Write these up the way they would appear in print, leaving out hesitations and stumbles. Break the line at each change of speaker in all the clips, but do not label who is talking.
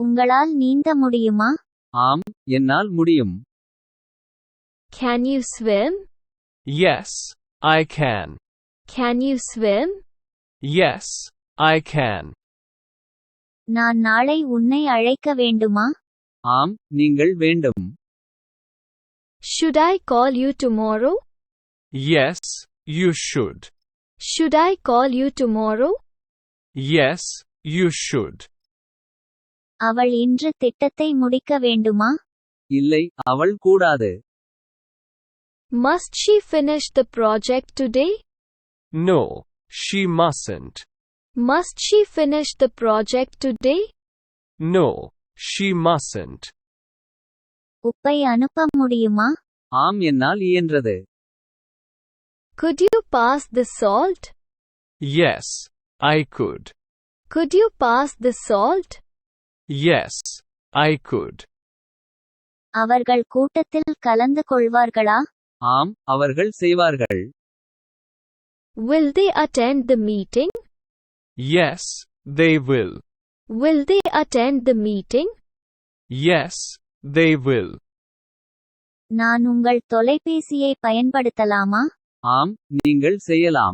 உங்களால் நீந்த முடியுமா?
ஆம், என்னால் முடியும்.
Can you swim?
Yes, I can.
Can you swim?
Yes, I can.
நான் நாளை உன்னை அழைக்க வேண்டுமா?
ஆம், நீங்கள் வேண்டும்.
Should I call you tomorrow?
Yes, you should.
Should I call you tomorrow?
Yes, you should.
அவள் இன்று திட்டத்தை முடிக்க வேண்டுமா?
இல்லை, அவள் கூடாது.
Must she finish the project today?
No, she mustn't.
Must she finish the project today?
No, she mustn't.
உப்பை அனுப்ப முடியுமா?
ஆம், என்னால் இயன்றது.
Could you pass the salt?
Yes, I could.
Could you pass the salt?
Yes, I could.
அவர்கள் கூட்டத்தில் கலந்து கொள்வார்களா?
ஆம், அவர்கள் செய்வார்கள்.
Will they attend the meeting?
Yes, they will.
Will they attend the meeting?
Yes, they will.
நான் உங்கள் தொலைபேசியை பயன்படுத்தலாமா?
ஆம், நீங்கள் செய்யலாம்.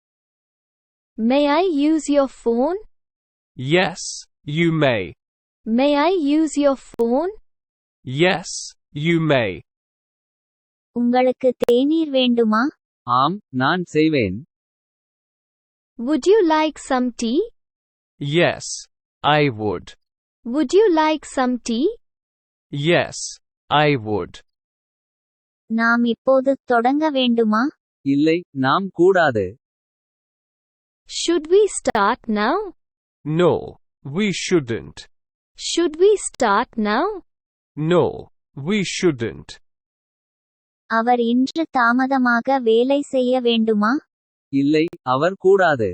May I use your phone?
Yes, you may.
May I use your phone?
Yes, you may.
உங்களுக்கு தேநீர் வேண்டுமா?
ஆம், நான் செய்வேன்.
Would you like some tea?
Yes, I would.
Would you like some tea?
Yes, I would.
நாம் இப்போது தொடங்க வேண்டுமா?
இல்லை, நாம் கூடாது.
Should we start now?
No, we shouldn't.
Should we start now?
No, we shouldn't.
அவர் இன்று தாமதமாக வேலை செய்ய வேண்டுமா?
இல்லை, அவர் கூடாது.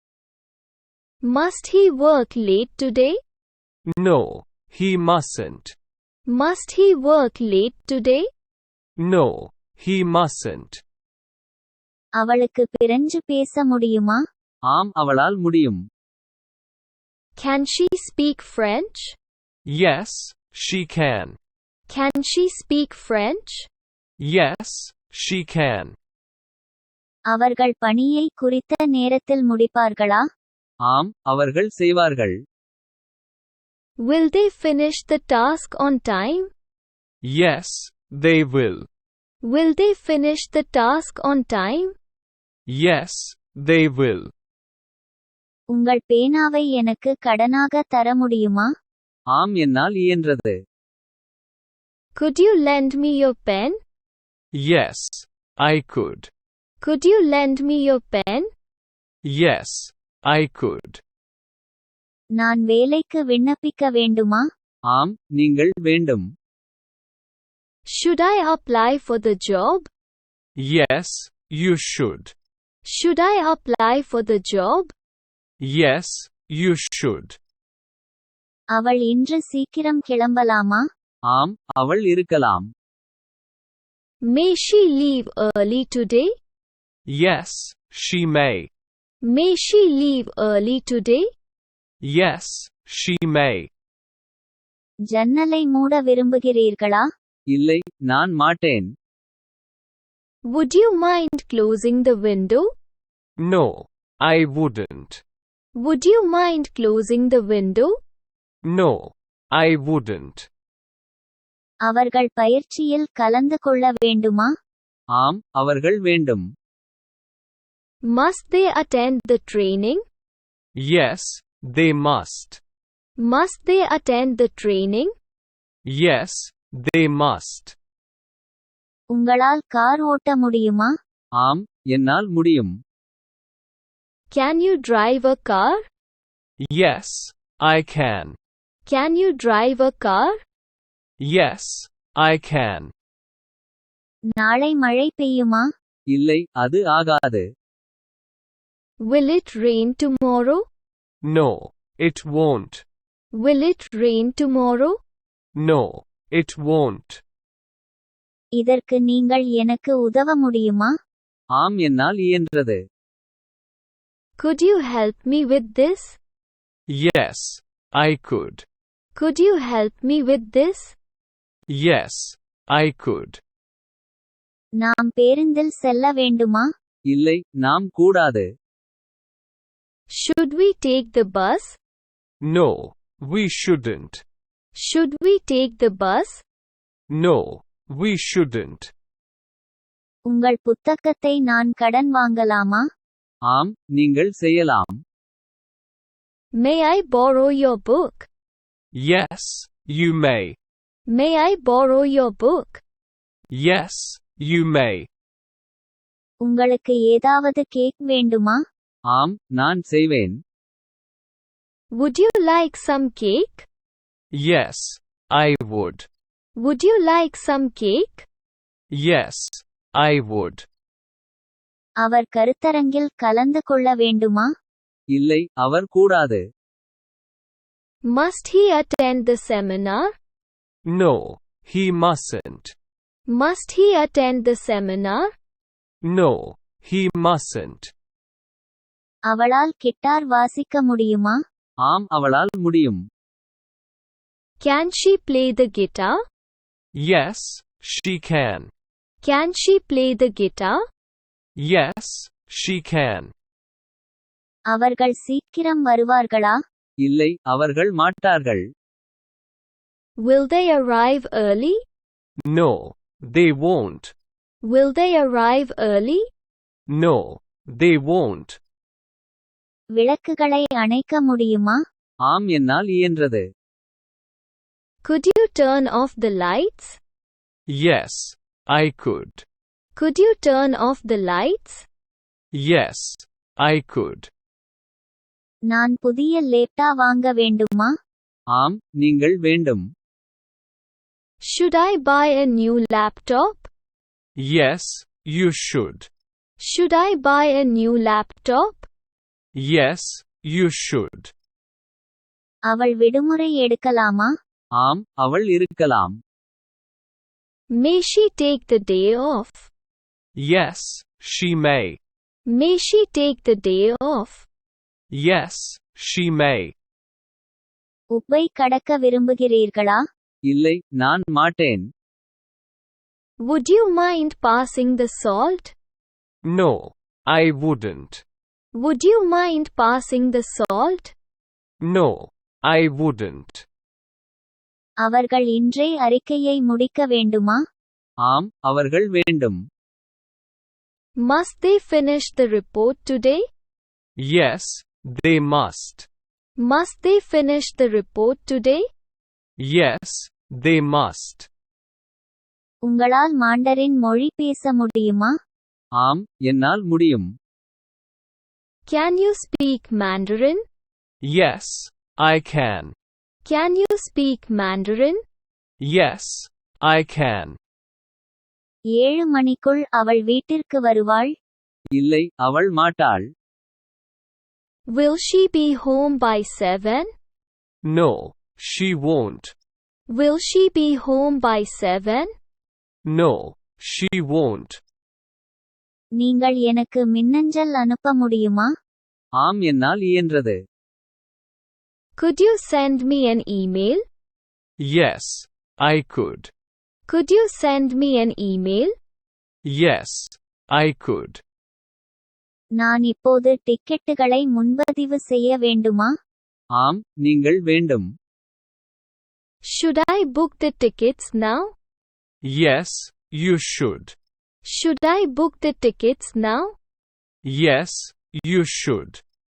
Must he work late today?
No, he mustn't.
Must he work late today?
No, he mustn't.
அவளுக்கு பிரெஞ்சு பேச முடியுமா?
ஆம், அவளால் முடியும்.
Can she speak French?
Yes, she can.
Can she speak French?
Yes, she can.
அவர்கள் பணியை குறித்த நேரத்தில் முடிப்பார்களா?
ஆம், அவர்கள் செய்வார்கள்.
Will they finish the task on time?
Yes, they will.
Will they finish the task on time?
Yes, they will.
உங்கள் பேனாவை எனக்கு கடனாக தர முடியுமா?
ஆம், என்னால் இயன்றது.
Could you lend me your pen?
Yes, I could.
Could you lend me your pen?
Yes, I could.
நான் வேலைக்கு விண்ணப்பிக்க வேண்டுமா?
ஆம், நீங்கள் வேண்டும்.
Should I apply for the job?
Yes, you should.
Should I apply for the job?
Yes, you should.
அவள் இன்று சீக்கிரம் கிளம்பலாமா?
ஆம், அவள் இருக்கலாம்.
May she leave early today?
Yes, she may.
May she leave early today?
Yes, she may.
ஜன்னலை மூட விரும்புகிறீர்களா?
இல்லை, நான் மாட்டேன்.
Would you mind closing the window?
No, I wouldn't.
Would you mind closing the window?
No, I wouldn't.
அவர்கள் பயிற்சியில் கலந்து கொள்ள வேண்டுமா?
ஆம், அவர்கள் வேண்டும்.
Must they attend the training?
Yes, they must.
Must they attend the training?
Yes, they must.
உங்களால் car ஓட்ட முடியுமா?
ஆம், என்னால் முடியும்.
Can you drive a car?
Yes, I can.
Can you drive a car?
Yes, I can.
நாளை மழை பெய்யுமா?
இல்லை, அது ஆகாது.
Will it rain tomorrow?
No, it won't.
Will it rain tomorrow?
No, it won't.
இதற்கு நீங்கள் எனக்கு உதவ முடியுமா?
ஆம், என்னால் இயன்றது.
Could you help me with this?
Yes, I could.
Could you help me with this?
Yes, I could.
நாம் பேருந்தில் செல்ல வேண்டுமா?
இல்லை, நாம் கூடாது.
Should we take the bus?
No, we shouldn't.
Should we take the bus?
No, we shouldn't.
உங்கள் புத்தகத்தை நான் கடன் வாங்கலாமா?
ஆம், நீங்கள் செய்யலாம்.
May I borrow your book?
Yes, you may.
May I borrow your book?
Yes, you may.
உங்களுக்கு ஏதாவது கேக் வேண்டுமா?
ஆம், நான் செய்வேன்.
Would you like some cake?
Yes, I would.
Would you like some cake?
Yes, I would.
அவர் கருத்தரங்கில் கலந்து கொள்ள வேண்டுமா?
இல்லை, அவர் கூடாது.
Must he attend the seminar?
No, he mustn't.
Must he attend the seminar?
No, he mustn't.
அவளால் guitar வாசிக்க முடியுமா?
ஆம், அவளால் முடியும்.
Can she play the guitar?
Yes, she can.
Can she play the guitar?
Yes, she can.
அவர்கள் சீக்கிரம் வருவார்களா?
இல்லை, அவர்கள் மாட்டார்கள்.
Will they arrive early?
No, they won't.
Will they arrive early?
No, they won't.
விளக்குகளை அணைக்க முடியுமா?
ஆம், என்னால் இயன்றது.
Could you turn off the lights?
Yes, I could.
Could you turn off the lights?
Yes, I could.
நான் புதிய லேப்டா வாங்க வேண்டுமா?
ஆம், நீங்கள் வேண்டும்.
Should I buy a new laptop?
Yes, you should.
Should I buy a new laptop?
Yes, you should.
அவள் விடுமுறை எடுக்கலாமா?
ஆம், அவள் இருக்கலாம்.
May she take the day off?
Yes, she may.
May she take the day off?
Yes, she may.
உப்பை கடக்க விரும்புகிறீர்களா?
இல்லை, நான் மாட்டேன்.
Would you mind passing the salt?
No, I wouldn't.
Would you mind passing the salt?
No, I wouldn't.
அவர்கள் இன்றே அறிக்கையை முடிக்க வேண்டுமா?
ஆம், அவர்கள் வேண்டும்.
Must they finish the report today?
Yes, they must.
Must they finish the report today?
Yes, they must.
உங்களால் மாண்டரின் மொழி பேச முடியுமா?
ஆம், என்னால் முடியும்.
Can you speak Mandarin?
Yes, I can.
Can you speak Mandarin?
Yes, I can.
7 மணிக்குள் அவள் வீட்டிற்கு வருவாள்?
இல்லை, அவள் மாட்டாள்.
Will she be home by 7?
No, she won't.
Will she be home by 7?
No, she won't.
நீங்கள் எனக்கு மின்னஞ்சல் அனுப்ப முடியுமா?
ஆம், என்னால் இயன்றது.
Could you send me an email?
Yes, I could.
Could you send me an email?
Yes, I could.
நான் இப்போது டிக்கெட்டுகளை முன்பதிவு செய்ய வேண்டுமா?
ஆம், நீங்கள் வேண்டும்.
Should I book the tickets now?
Yes, you should.
Should I book the tickets now?
Yes, you should.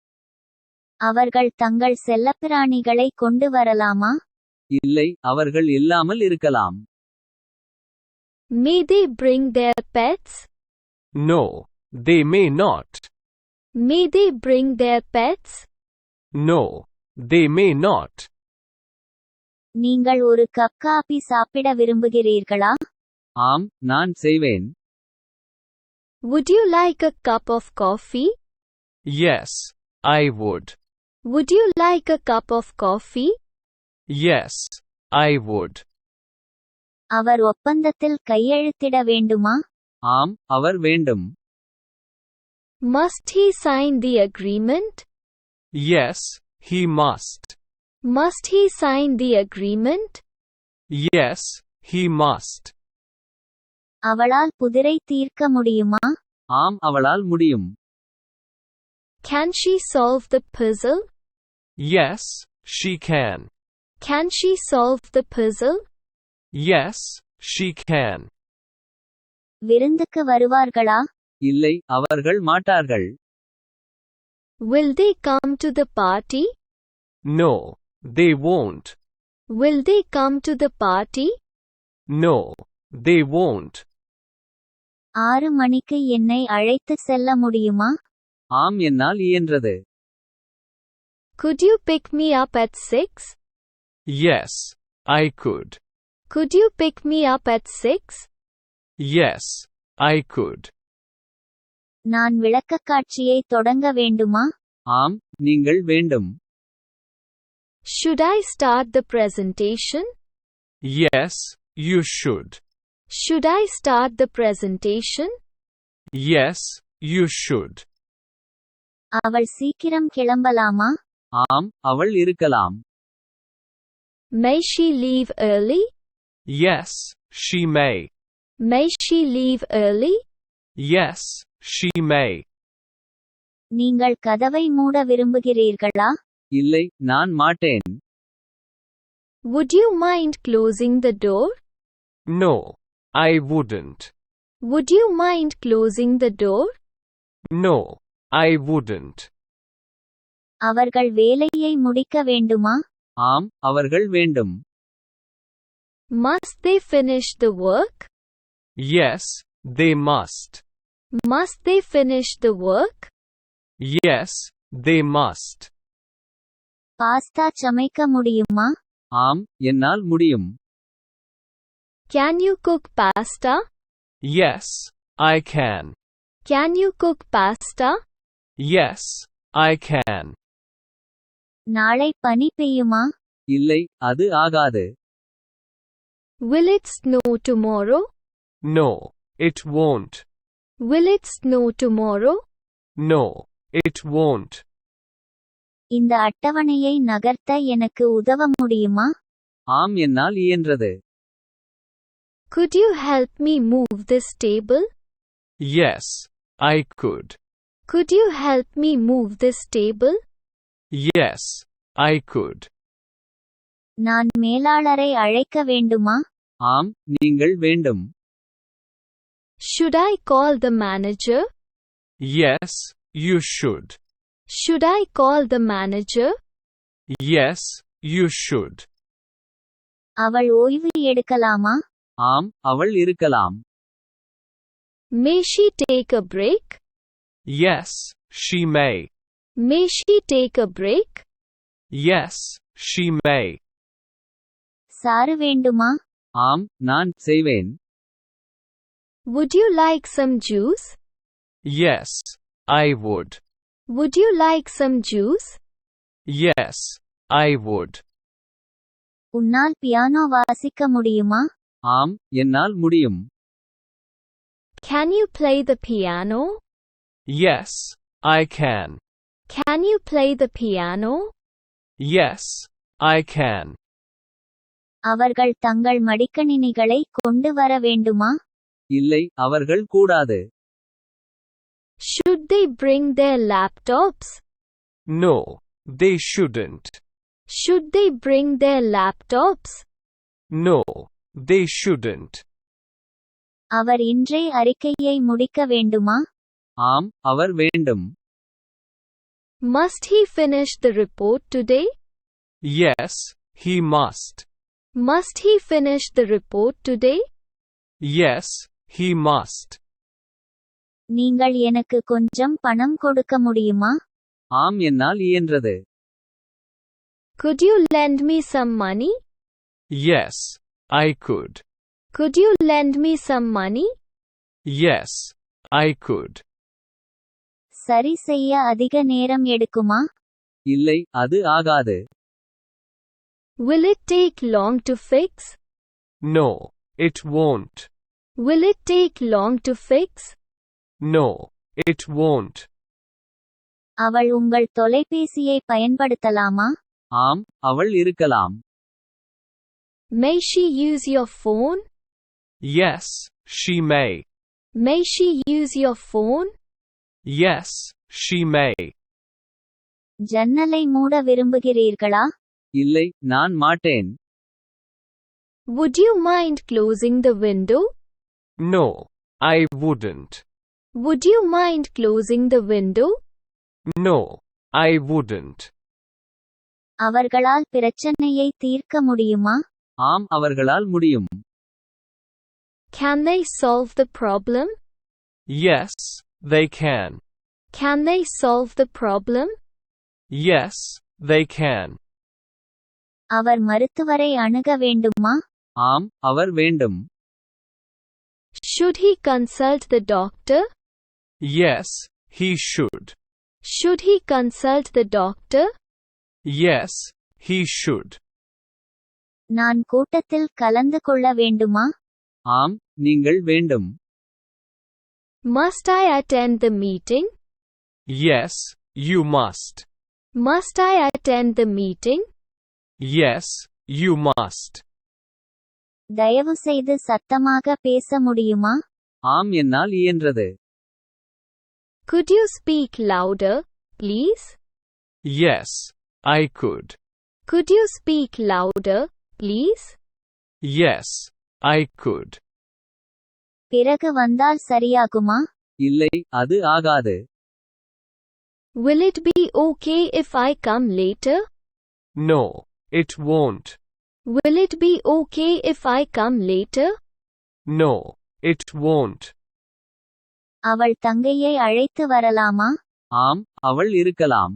அவர்கள் தங்கள் செல்லப்பிராணிகளை கொண்டு வரலாமா?
இல்லை, அவர்கள் இல்லாமல் இருக்கலாம்.
May they bring their pets?
No, they may not.
May they bring their pets?
No, they may not.
நீங்கள் ஒரு கப் காபி சாப்பிட விரும்புகிறீர்களா?
ஆம், நான் செய்வேன்.
Would you like a cup of coffee?
Yes, I would.
Would you like a cup of coffee?
Yes, I would.
அவர் ஒப்பந்தத்தில் கையெழுத்திட வேண்டுமா?
ஆம், அவர் வேண்டும்.
Must he sign the agreement?
Yes, he must.
Must he sign the agreement?
Yes, he must.
அவளால் புதிரை தீர்க்க முடியுமா?
ஆம் அவளால் முடியும்.
Can she solve the puzzle?
Yes, she can.
Can she solve the puzzle?
Yes, she can.
விருந்துக்கு வருவார்களா?
இல்லை அவர்கள் மாட்டார்கள்.
Will they come to the party?
No, they won't.
Will they come to the party?
No, they won't.
6 மணிக்கு என்னை அழைத்து செல்ல முடியுமா?
ஆம் என்னால் இயன்றது.
Could you pick me up at 6?
Yes, I could.
Could you pick me up at 6?
Yes, I could.
நான் விளக்கக்காட்சியை தொடங்க வேண்டுமா?
ஆம் நீங்கள் வேண்டும்.
Should I start the presentation?
Yes, you should.
Should I start the presentation?
Yes, you should.
அவள் சீக்கிரம் கிளம்பலாமா?
ஆம் அவள் இருக்கலாம்.
May she leave early?
Yes, she may.
May she leave early?
Yes, she may.
நீங்கள் கதவை மூட விரும்புகிறீர்களா?
இல்லை நான் மாட்டேன்.
Would you mind closing the door?
No, I wouldn't.
Would you mind closing the door?
No, I wouldn't.
அவர்கள் வேலையை முடிக்க வேண்டுமா?
ஆம் அவர்கள் வேண்டும்.
Must they finish the work?
Yes, they must.
Must they finish the work?
Yes, they must.
Pasta சமைக்க முடியுமா?
ஆம் என்னால் முடியும்.
Can you cook pasta?
Yes, I can.
Can you cook pasta?
Yes, I can.
நாளை பனி பெய்யுமா?
இல்லை அது ஆகாது.
Will it snow tomorrow?
No, it won't.
Will it snow tomorrow?
No, it won't.
இந்த அட்டவணையை நகர்த்த எனக்கு உதவ முடியுமா?
ஆம் என்னால் இயன்றது.
Could you help me move this table?
Yes, I could.
Could you help me move this table?
Yes, I could.
நான் மேலாளரை அழைக்க வேண்டுமா?
ஆம் நீங்கள் வேண்டும்.
Should I call the manager?
Yes, you should.
Should I call the manager?
Yes, you should.
அவள் ஓய்வு எடுக்கலாமா?
ஆம் அவள் இருக்கலாம்.
May she take a break?
Yes, she may.
May she take a break?
Yes, she may.
சாறு வேண்டுமா?
ஆம் நான் செய்வேன்.
Would you like some juice?
Yes, I would.
Would you like some juice?
Yes, I would.
உன்னால் piano வாசிக்க முடியுமா?
ஆம் என்னால் முடியும்.
Can you play the piano?
Yes, I can.
Can you play the piano?
Yes, I can.
அவர்கள் தங்கள் மடிக்கணினிகளை கொண்டு வர வேண்டுமா?
இல்லை அவர்கள் கூடாது.
Should they bring their laptops?
No, they shouldn't.
Should they bring their laptops?
No, they shouldn't.
அவர் இன்றே அறிக்கையை முடிக்க வேண்டுமா?
ஆம் அவர் வேண்டும்.
Must he finish the report today?
Yes, he must.
Must he finish the report today?
Yes, he must.
நீங்கள் எனக்கு கொஞ்சம் பணம் கொடுக்க முடியுமா?
ஆம் என்னால் இயன்றது.
Could you lend me some money?
Yes, I could.
Could you lend me some money?
Yes, I could.
சரி செய்ய அதிக நேரம் எடுக்குமா?
இல்லை அது ஆகாது.
Will it take long to fix?
No, it won't.
Will it take long to fix?
No, it won't.
அவள் உங்கள் தொலைபேசியை பயன்படுத்தலாமா?
ஆம், அவள் இருக்கலாம்.
May she use your phone?
Yes, she may.
May she use your phone?
Yes, she may.
ஜன்னலை மூட விரும்புகிறீர்களா?
இல்லை, நான் மாட்டேன்.
Would you mind closing the window?
No, I wouldn't.
Would you mind closing the window?
No, I wouldn't.
அவர்களால் பிரச்சனையை தீர்க்க முடியுமா?
ஆம், அவர்களால் முடியும்.
Can they solve the problem?
Yes, they can.
Can they solve the problem?
Yes, they can.
அவர் மருத்துவரை அணுக வேண்டுமா?
ஆம், அவர் வேண்டும்.
Should he consult the doctor?
Yes, he should.
Should he consult the doctor?
Yes, he should.
நான் கூட்டத்தில் கலந்து கொள்ள வேண்டுமா?
ஆம், நீங்கள் வேண்டும்.
Must I attend the meeting?
Yes, you must.
Must I attend the meeting?
Yes, you must.
தயவுசெய்து சத்தமாக பேச முடியுமா?
ஆம், என்னால் இயன்றது.
Could you speak louder, please?
Yes, I could.
Could you speak louder, please?
Yes, I could.
பிறகு வந்தால் சரியாகுமா?
இல்லை, அது ஆகாது.
Will it be okay if I come later?
No, it won't.
Will it be okay if I come later?
No, it won't.
அவள் தங்கையை அழைத்து வரலாமா?
ஆம், அவள் இருக்கலாம்.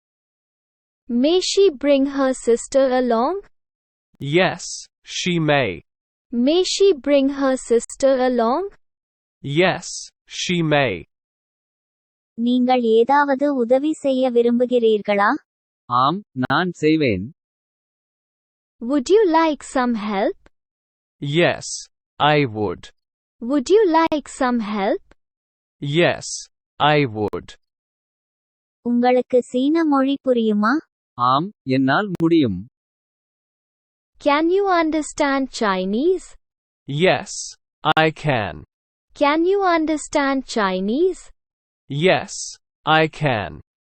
May she bring her sister along?
Yes, she may.
May she bring her sister along?
Yes, she may.
நீங்கள் ஏதாவது உதவி செய்ய விரும்புகிறீர்களா?
ஆம், நான் செய்வேன்.
Would you like some help?
Yes, I would.
Would you like some help?
Yes, I would.
உங்களுக்கு சீன மொழி புரியுமா?
ஆம், என்னால் முடியும்.
Can you understand Chinese?
Yes, I can.
Can you understand Chinese?
Yes, I can.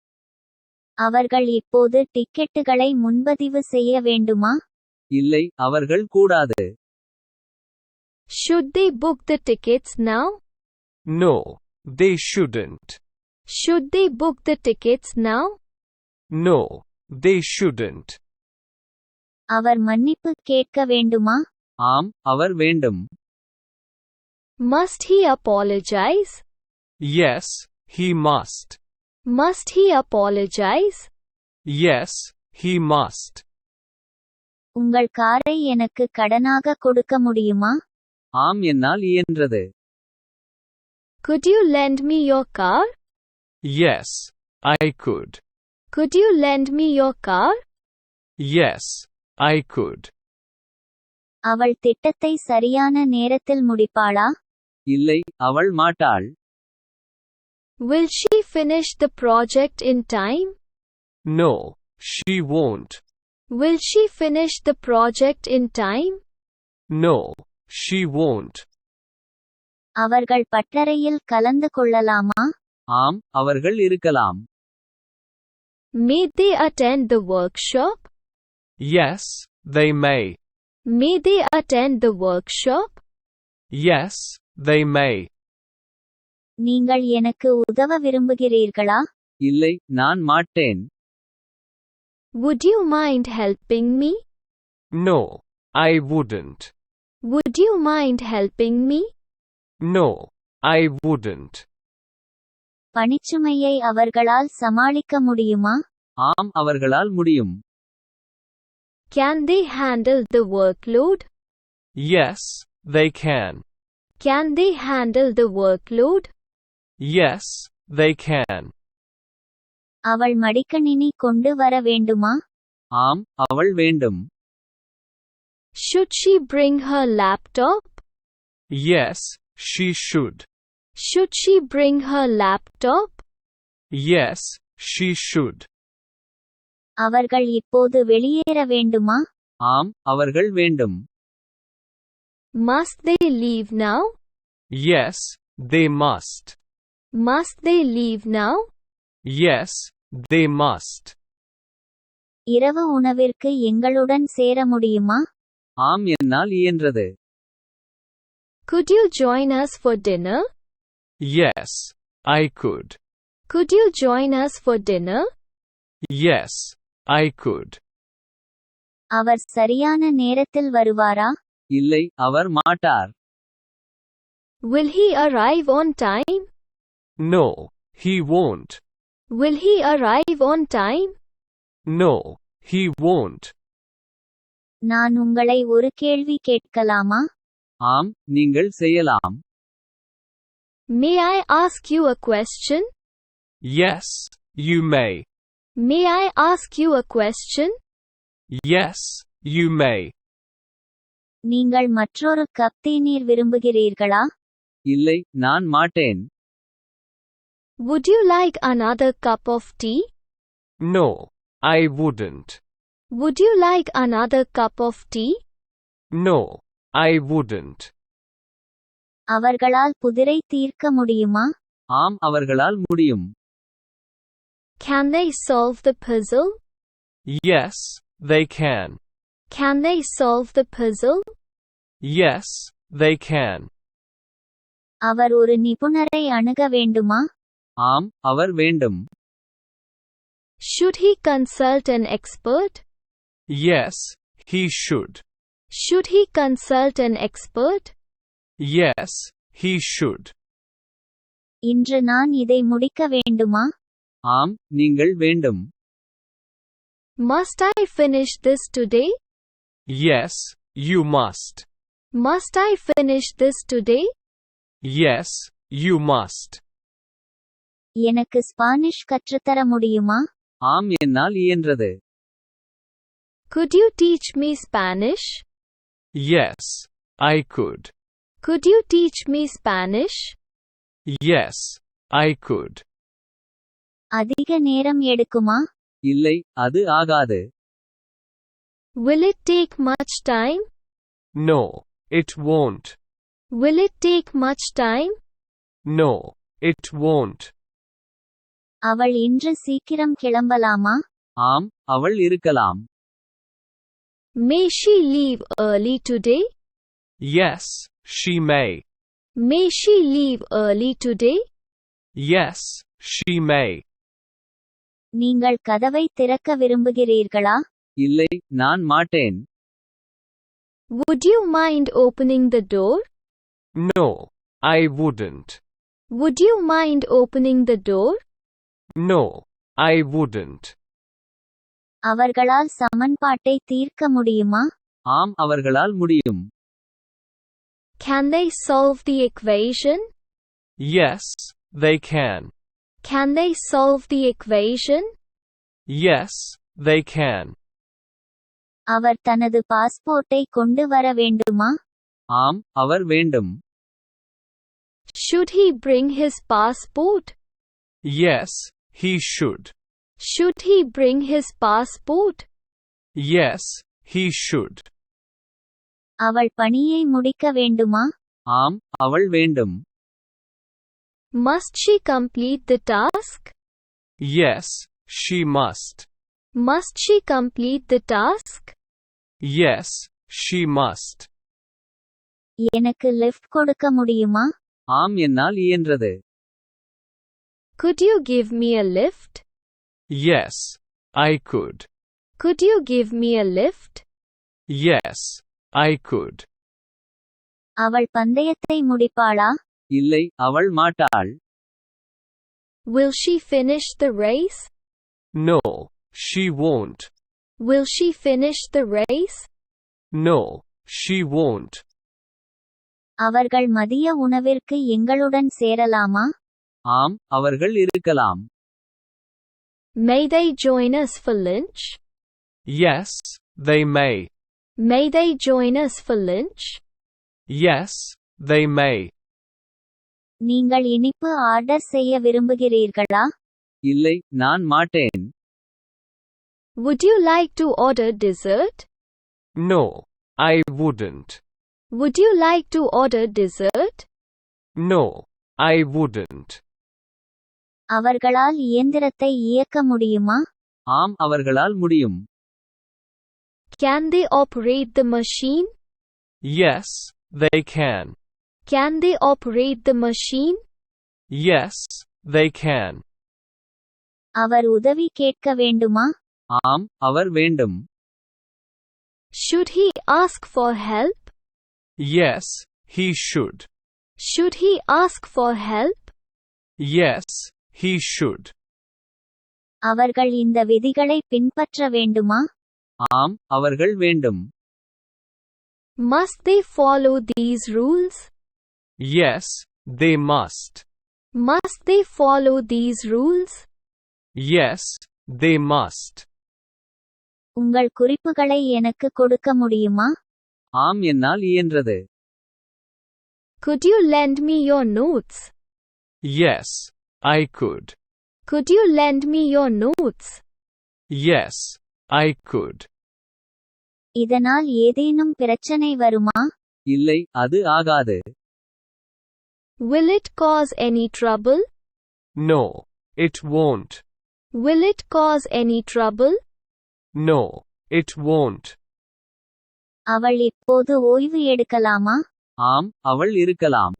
அவர்கள் இப்போது டிக்கெட்டுகளை முன்பதிவு செய்ய வேண்டுமா?
இல்லை, அவர்கள் கூடாது.
Should they book the tickets now?
No, they shouldn't.
Should they book the tickets now?
No, they shouldn't.
அவர் மன்னிப்பு கேட்க வேண்டுமா?
ஆம், அவர் வேண்டும்.
Must he apologize?
Yes, he must.
Must he apologize?
Yes, he must.
உங்கள் காரை எனக்கு கடனாக கொடுக்க முடியுமா?
ஆம், என்னால் இயன்றது.
Could you lend me your car?
Yes, I could.
Could you lend me your car?
Yes, I could.
அவள் திட்டத்தை சரியான நேரத்தில் முடிப்பாளா?
இல்லை, அவள் மாட்டாள்.
Will she finish the project in time?
No, she won't.
Will she finish the project in time?
No, she won't.
அவர்கள் பட்டறையில் கலந்து கொள்ளலாமா?
ஆம், அவர்கள் இருக்கலாம்.
May they attend the workshop?
Yes, they may.
May they attend the workshop?
Yes, they may.
நீங்கள் எனக்கு உதவ விரும்புகிறீர்களா?
இல்லை, நான் மாட்டேன்.
Would you mind helping me?
No, I wouldn't.
Would you mind helping me?
No, I wouldn't.
பணிச்சுமையை அவர்களால் சமாளிக்க முடியுமா?
ஆம், அவர்களால் முடியும்.
Can they handle the workload?
Yes, they can.
Can they handle the workload?
Yes, they can.
அவள் மடிக்கணினி கொண்டு வர வேண்டுமா?
ஆம், அவள் வேண்டும்.
Should she bring her laptop?
Yes, she should.
Should she bring her laptop?
Yes, she should.
அவர்கள் இப்போது வெளியேற வேண்டுமா?
ஆம் அவர்கள் வேண்டும்.
Must they leave now?
Yes, they must.
Must they leave now?
Yes, they must.
இரவு உணவிற்கு எங்களுடன் சேர முடியுமா?
ஆம் என்னால் இயன்றது.
Could you join us for dinner?
Yes, I could.
Could you join us for dinner?
Yes, I could.
அவர் சரியான நேரத்தில் வருவாரா?
இல்லை அவர் மாட்டார்.
Will he arrive on time?
No, he won't.
Will he arrive on time?
No, he won't.
நான் உங்களை ஒரு கேள்வி கேட்கலாமா?
ஆம் நீங்கள் செய்யலாம்.
May I ask you a question?
Yes, you may.
May I ask you a question?
Yes, you may.
நீங்கள் மற்றொரு கப் தேநீர் விரும்புகிறீர்களா?
இல்லை நான் மாட்டேன்.
Would you like another cup of tea?
No, I wouldn't.
Would you like another cup of tea?
No, I wouldn't.
அவர்களால் புதிரை தீர்க்க முடியுமா?
ஆம் அவர்களால் முடியும்.
Can they solve the puzzle?
Yes, they can.
Can they solve the puzzle?
Yes, they can.
அவர் ஒரு நிபுணரை அணுக வேண்டுமா?
ஆம் அவர் வேண்டும்.
Should he consult an expert?
Yes, he should.
Should he consult an expert?
Yes, he should.
இன்று நான் இதை முடிக்க வேண்டுமா?
ஆம் நீங்கள் வேண்டும்.
Must I finish this today?
Yes, you must.
Must I finish this today?
Yes, you must.
எனக்கு Spanish கற்றுத்தர முடியுமா?
ஆம் என்னால் இயன்றது.
Could you teach me Spanish?
Yes, I could.
Could you teach me Spanish?
Yes, I could.
அதிக நேரம் எடுக்குமா?
இல்லை அது ஆகாது.
Will it take much time?
No, it won't.
Will it take much time?
No, it won't.
அவள் இன்று சீக்கிரம் கிளம்பலாமா?
ஆம் அவள் இருக்கலாம்.
May she leave early today?
Yes, she may.
May she leave early today?
Yes, she may.
நீங்கள் கதவை திறக்க விரும்புகிறீர்களா?
இல்லை நான் மாட்டேன்.
Would you mind opening the door?
No, I wouldn't.
Would you mind opening the door?
No, I wouldn't.
அவர்களால் சமன்பாட்டை தீர்க்க முடியுமா?
ஆம் அவர்களால் முடியும்.
Can they solve the equation?
Yes, they can.
Can they solve the equation?
Yes, they can.
அவர் தனது பாஸ்போர்ட்டை கொண்டு வர வேண்டுமா?
ஆம் அவர் வேண்டும்.
Should he bring his passport?
Yes, he should.
Should he bring his passport?
Yes, he should.
அவள் பணியை முடிக்க வேண்டுமா?
ஆம் அவள் வேண்டும்.
Must she complete the task?
Yes, she must.
Must she complete the task?
Yes, she must.
எனக்கு lift கொடுக்க முடியுமா?
ஆம் என்னால் இயன்றது.
Could you give me a lift?
Yes, I could.
Could you give me a lift?
Yes, I could.
அவள் பந்தயத்தை முடிப்பாளா?
இல்லை அவள் மாட்டாள்.
Will she finish the race?
No, she won't.
Will she finish the race?
No, she won't.
அவர்கள் மதிய உணவிற்கு எங்களுடன் சேரலாமா?
ஆம் அவர்கள் இருக்கலாம்.
May they join us for lunch?
Yes, they may.
May they join us for lunch?
Yes, they may.
நீங்கள் இனிப்பு order செய்ய விரும்புகிறீர்களா?
இல்லை நான் மாட்டேன்.
Would you like to order dessert?
No, I wouldn't.
Would you like to order dessert?
No, I wouldn't.
அவர்களால் இயந்திரத்தை இயக்க முடியுமா?
ஆம் அவர்களால் முடியும்.
Can they operate the machine?
Yes, they can.
Can they operate the machine?
Yes, they can.
அவர் உதவி கேட்க வேண்டுமா?
ஆம் அவர் வேண்டும்.
Should he ask for help?
Yes, he should.
Should he ask for help?
Yes, he should.
அவர்கள் இந்த விதிகளை பின்பற்ற வேண்டுமா?
ஆம் அவர்கள் வேண்டும்.
Must they follow these rules?
Yes, they must.
Must they follow these rules?
Yes, they must.
உங்கள் குறிப்புகளை எனக்கு கொடுக்க முடியுமா?
ஆம் என்னால் இயன்றது.
Could you lend me your notes?
Yes, I could.
Could you lend me your notes?
Yes, I could.
இதனால் ஏதேனும் பிரச்சனை வருமா?
இல்லை அது ஆகாது.
Will it cause any trouble?
No, it won't.
Will it cause any trouble?
No, it won't.
அவள் இப்போது ஓய்வு எடுக்கலாமா?
ஆம் அவள் இருக்கலாம்.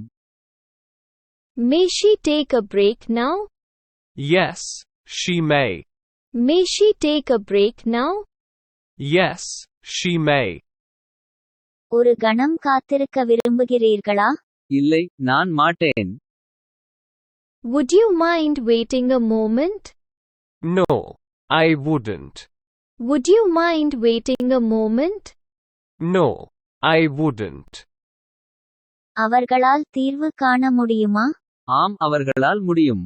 May she take a break now?
Yes, she may.
May she take a break now?
Yes, she may.
ஒரு கணம் காத்திருக்க விரும்புகிறீர்களா?
இல்லை நான் மாட்டேன்.
Would you mind waiting a moment?
No, I wouldn't.
Would you mind waiting a moment?
No, I wouldn't.
அவர்களால் தீர்வு காண முடியுமா?
ஆம் அவர்களால் முடியும்.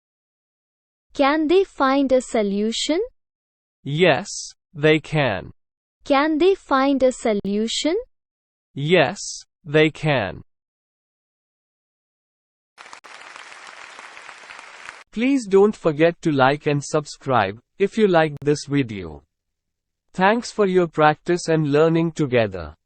Can they find a solution?
Yes, they can.
Can they find a solution?
Yes, they can. Please don't forget to like and subscribe if you liked this video. Thanks for your practice and learning together.